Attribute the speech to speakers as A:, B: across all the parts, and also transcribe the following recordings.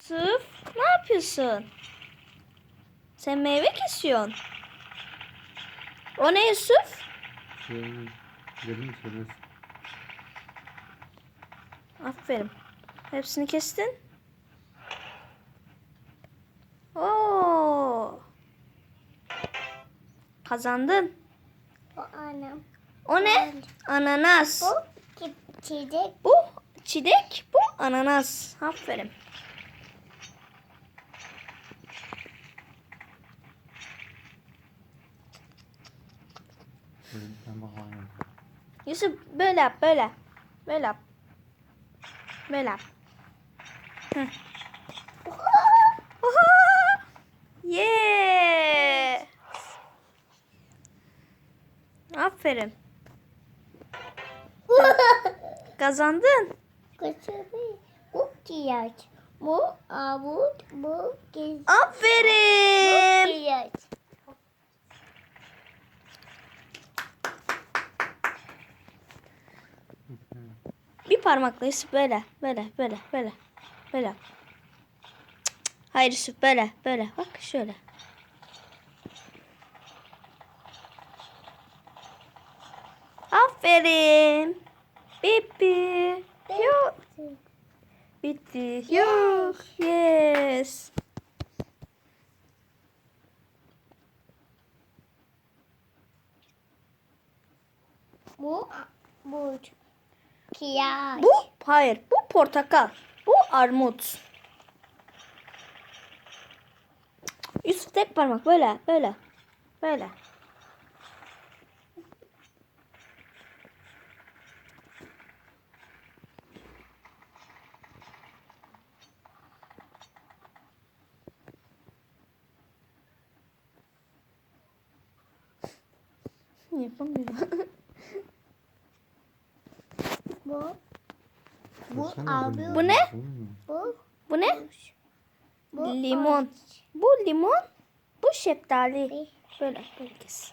A: Yusuf, ne yapıyorsun? Sen meyve kesiyorsun. O ne Yusuf?
B: Dedim söylesin.
A: Aferin. Hepsini kestin. Oo. Kazandın.
C: Bu anam.
A: O ne? Ananas.
C: Bu çiçek.
A: Bu çilek, bu ananas. Aferin.
B: Ben bakayım.
A: Yusuf böyle yap, böyle. Böyle yap. Böyle yap. Hı. Oha! Yeah! Aferin. Kazandın.
C: Kaçırdı. Bu kiyaç. Bu avut. Bu gez.
A: Aferin.
C: Kiyaç.
A: Bir parmakla Yusuf böyle. Böyle. Böyle. Hayır Yusuf böyle. Bak şöyle. Aferin. Bitti. Yok. Bitti. Yok. Yes.
C: Bu kiyaç.
A: Hayır. Bu portakal. Bu armut. Yusuf tek parmak böyle. Yapamıyorum.
C: Bu
B: Baksana,
C: abi.
A: Bu ne?
C: Bu
A: Bu ne?
C: bu
A: Limon. Bu limon. Bu şeftali. Böyle kes.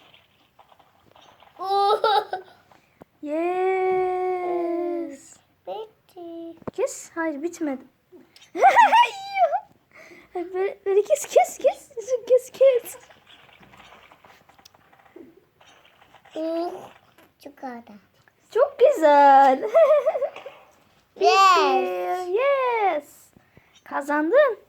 A: Yes.
C: Bitti.
A: Kes. Hayır bitmedi. Böyle kes. Kes.
C: Çikolata.
A: Çok güzel.
C: Yes.
A: Yes. Kazandın.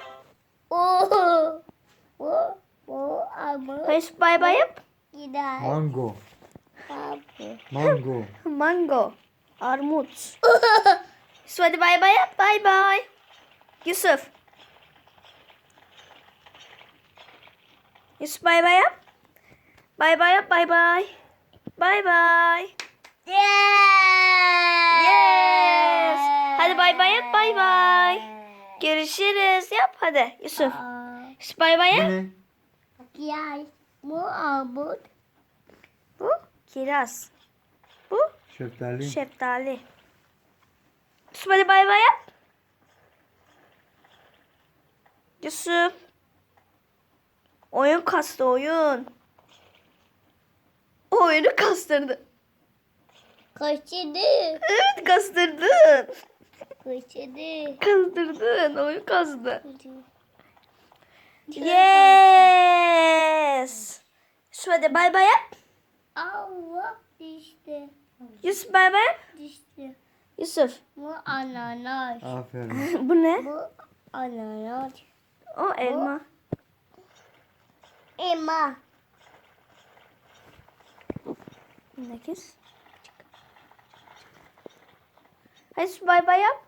C: Bu abi.
A: Hayır bay bay yap.
C: Gider.
B: Mango.
C: Abi.
B: Mango.
A: Mango. Armut. Yusuf hadi bay bay yap. Bay bay. Yusuf. Yusuf bay bay yap. Bay bay yap. Bay bay. Bay bay. Yes. Hadi bay bay yap. Bay bay. Görüşürüz. Yap hadi Yusuf. Yusuf bay bay
B: Bu
A: yap.
B: ne?
C: Gel. Bu abut.
A: Bu kiraz. Bu
B: Şeftali.
A: şeftali. Yusuf hadi bay bay yap. Yusuf. Oyun kastı oyun. O oyunu kastırdı.
C: Kaçırdı.
A: Evet kastırdın.
C: Kaçırdı.
A: Kastırdın. Oyun kastı.
C: Yes.
A: Yes. Yusuf hadi bay bay yap.
C: Allah düştü.
A: Yusuf bay bay yap.
C: Düştü.
A: Yusuf.
C: Bu ananas.
B: Aferin.
A: Bu ne?
C: Bu ananas.
A: O elma.
C: Elma.
A: Ne kes? Hadi Yusuf bay bay yap.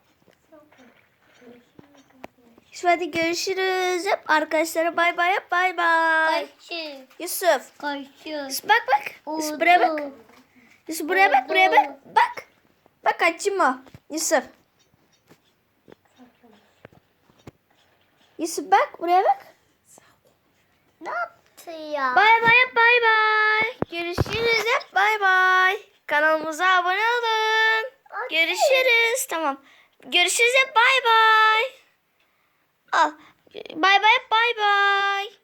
A: Yusuf hadi görüşürüz. Yap arkadaşlara bay bay yap. Bay bay.
C: Kaçır.
A: Yusuf.
C: Kaçır.
A: Yusuf bak. Yusuf buraya bak. Yusuf buraya bak. Bak. Bak açma. Yusuf. Yusuf bak buraya bak.
C: Ne yaptı ya?
A: Bay bay yap. Bay bay. Görüşürüz yap. Bay bay. Kanalımıza abone olun. Görüşürüz. Tamam. Görüşürüz yap. Bay bay. Al. Bay bay yap. Bay bay.